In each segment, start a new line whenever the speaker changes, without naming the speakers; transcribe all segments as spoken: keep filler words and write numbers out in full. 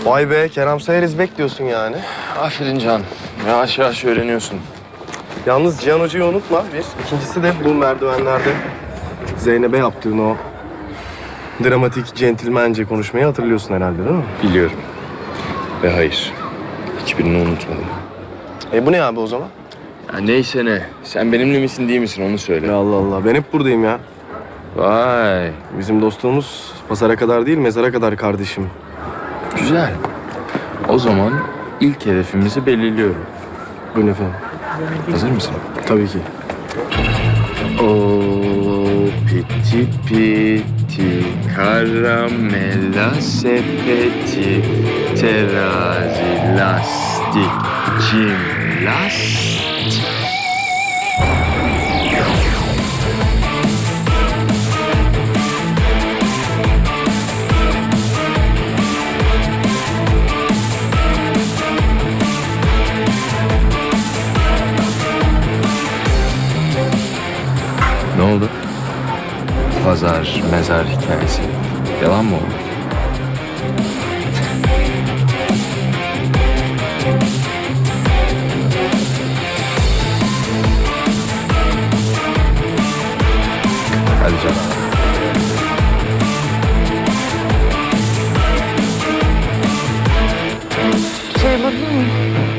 Vay be, Kerem Sayarız bekliyorsun yani.
Aferin Can. Yavaş yavaş öğreniyorsun.
Yalnız Cihan Hoca'yı unutma bir. İkincisi de bu merdivenlerde Zeynep'e yaptığın o dramatik, centilmence konuşmayı hatırlıyorsun herhalde değil mi?
Biliyorum. Ve hayır. Hiçbirini unutmadım.
E bu ne abi o zaman?
Ya neyse ne. Sen benimle misin değil misin onu söyle.
Ya Allah Allah, ben hep buradayım ya.
Vay.
Bizim dostluğumuz pazara kadar değil, mezara kadar kardeşim.
Güzel. O zaman ilk hedefimizi belirliyorum.
Buyurun efendim.
Hazır mısın?
Tabii ki.
O piti piti karamela sepeti terazi lastik cimnastik. Ne oldu? Pazar, mezar hikayesi. Yalan mı oldu? Hadi canım.
Şey yapabilir miyim?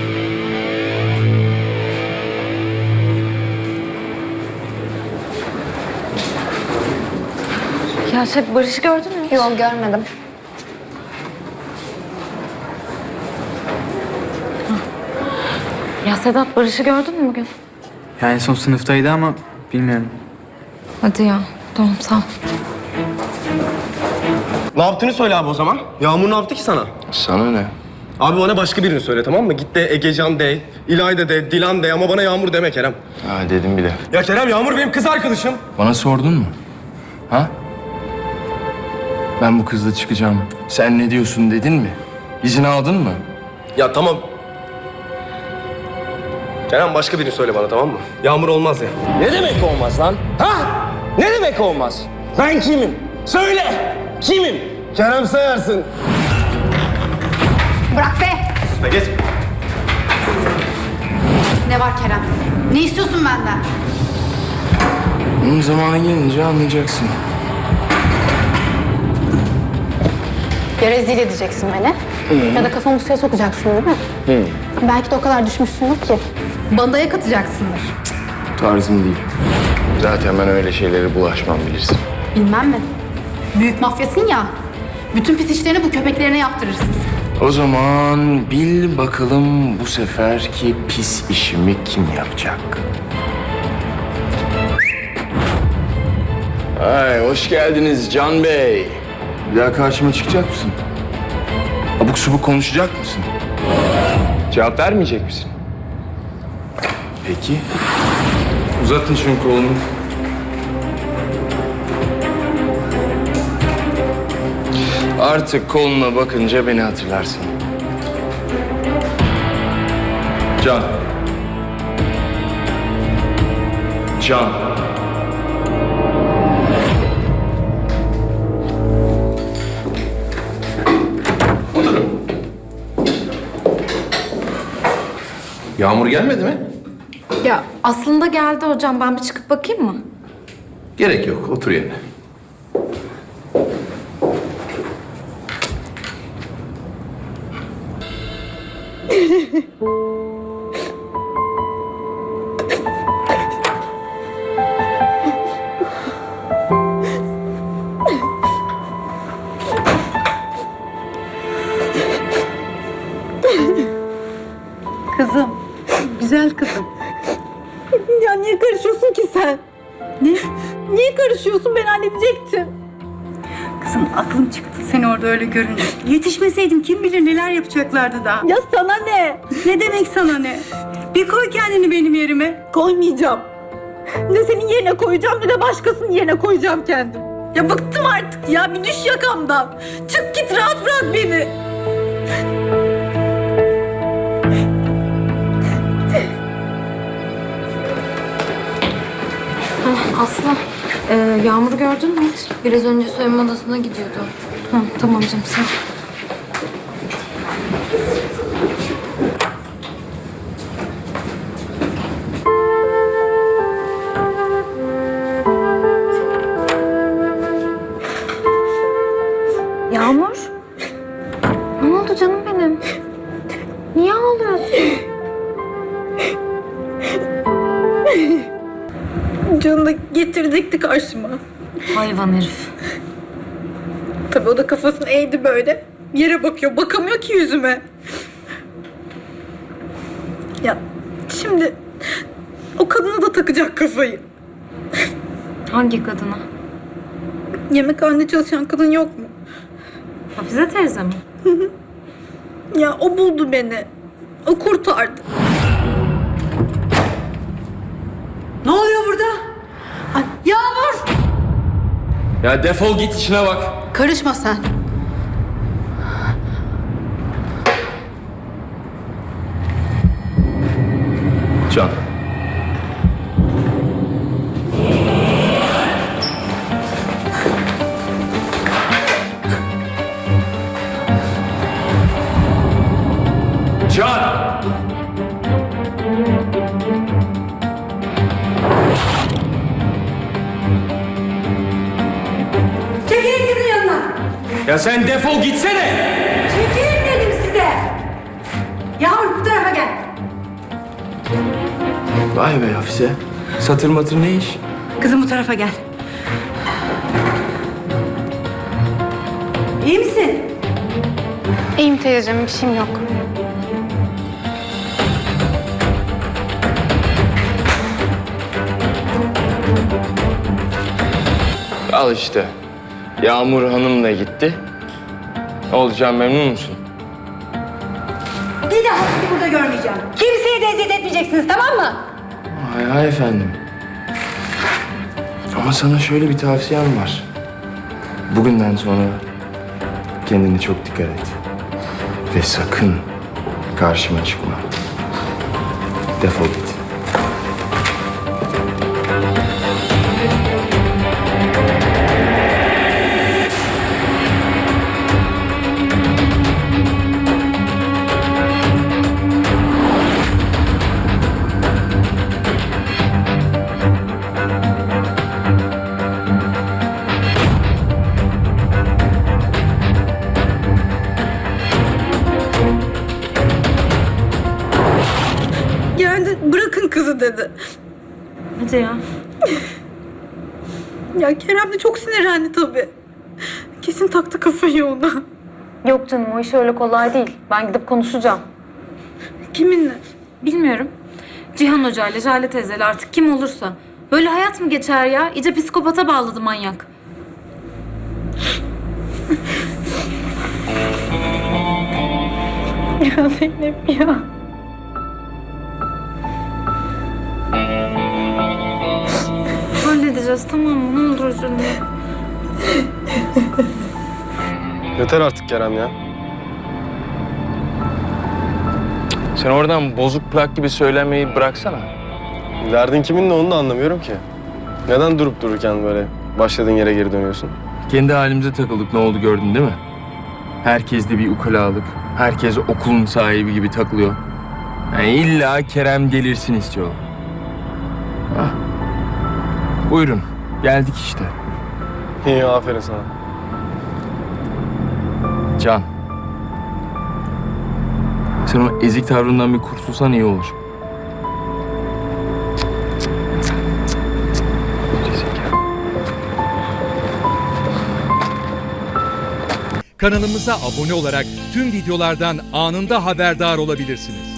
Ya şey, Barış'ı gördün mü?
Yok, görmedim.
Ya Sedat, Barış'ı gördün mü bugün?
Yani en son sınıftaydı ama bilmiyorum.
Hadi ya. Tamam, sağ ol.
Ne yaptığını söyle abi o zaman. Yağmur ne yaptı ki sana?
Sana ne?
Abi bana başka birini söyle tamam mı? Git de Egecan de, İlayda de, Dilan de ama bana Yağmur deme Kerem.
Ha dedim bile.
Ya Kerem, Yağmur benim kız arkadaşım.
Bana sordun mu? Ha? Ben bu kızla çıkacağım. Sen ne diyorsun dedin mi? İzin aldın mı?
Ya tamam. Kerem başka birini söyle bana tamam mı? Yağmur olmaz ya.
Ne demek olmaz lan? Ha? Ne demek olmaz? Ben kimim? Söyle! Kimim?
Kerem Sayarsın.
Bırak be!
Sus be, geç.
Ne var Kerem? Ne istiyorsun benden?
Bunun zamanı gelince anlayacaksın.
Ya rezil edeceksin beni ya da kafamı suya sokacaksın değil mi? Hı. Belki de o kadar düşmüşsündür ki bandaya katacaksındır.
Tarzım değil. Zaten ben öyle şeylere bulaşmam bilirsin.
Bilmem mi? Büyük mafyasın ya. Bütün pis işlerini bu köpeklerine yaptırırsın.
O zaman bil bakalım bu seferki pis işimi kim yapacak? Ay hoş geldiniz Can Bey. Bir daha karşıma çıkacak mısın? Abuk subuk konuşacak mısın? Cevap vermeyecek misin? Peki. Uzatın şunu kolunu. Artık koluna bakınca beni hatırlarsın. Can. Can.
Yağmur gelmedi mi?
Ya aslında geldi hocam. Ben bir çıkıp bakayım mı?
Gerek yok. Otur yerine.
Kızım, güzel kızım. Ya niye karışıyorsun ki sen? Ne? Niye karışıyorsun? Ben halledecektim.
Kızım aklım çıktı seni orada öyle görünce. Yetişmeseydim kim bilir neler yapacaklardı daha.
Ya sana ne?
Ne demek sana ne? Bir koy kendini benim yerime.
Koymayacağım. Ne senin yerine koyacağım ne de başkasının yerine koyacağım kendim.
Ya bıktım artık ya, bir düş yakamdan. Çık git, rahat bırak beni.
Aslı, e, Yağmur'u gördün mü hiç? Biraz önce soyunma odasına gidiyordu. Ha, tamam canım, sağ ol. oldu canım benim? Niye ağlıyorsun?
Can'ı da getirecekti karşıma.
Hayvan herif.
Tabii o da kafasını eğdi böyle. Yere bakıyor. Bakamıyor ki yüzüme. Ya şimdi o kadına da takacak kafayı.
Hangi kadına?
Yemekhanede çalışan kadın yok mu?
Hafize teyze mi?
Ya o buldu beni. O kurtardı.
Ne oluyor burada? Ay, Yağmur!
Ya defol git işine bak.
Karışma sen.
Can.
Can!
Çekilin kızın yanına.
Ya sen defol gitsene!
Çekilin dedim size. Yağmur bu tarafa gel.
Vay be Hafize. Satır matır ne iş?
Kızım bu tarafa gel. İyi misin?
İyiyim teyzeciğim, bir şeyim yok.
Al işte. Yağmur Hanım'la gitti. Olacağım, memnun musun?
Bir daha sizi burada görmeyeceğim. Kimseye de eziyet etmeyeceksiniz, tamam mı?
Hay hay efendim. Ama sana şöyle bir tavsiyem var. Bugünden sonra kendine çok dikkat et. Ve sakın karşıma çıkma. Defol git.
Geldi bırakın kızı dedi.
Hadi ya.
Ya Kerem de çok sinirlendi tabii. Kesin taktı kafayı ona.
Yok canım, o iş öyle kolay değil. Ben gidip konuşacağım.
Kiminle?
Bilmiyorum. Cihan Hoca ile Jale teyzeyle artık kim olursa. Böyle hayat mı geçer ya? İyice psikopata bağladı manyak.
Ya Zeynep ya.
Halledeceğiz, tamam mı? Ne olur üzülme.
Yeter artık Kerem ya.
Sen oradan bozuk plak gibi söylemeyi bıraksana.
Derdin kiminle onu da anlamıyorum ki. Neden durup dururken böyle başladığın yere geri dönüyorsun?
Kendi halimize takıldık, ne oldu gördün değil mi? Herkes de bir ukalalık. Herkes okulun sahibi gibi takılıyor. Yani illa Kerem gelirsin istiyor. Hah. Buyurun, geldik işte.
İyi, aferin sana.
Can. Sen o ezik tavrından bir kurtulsan iyi olur.
Kanalımıza abone olarak tüm videolardan anında haberdar olabilirsiniz.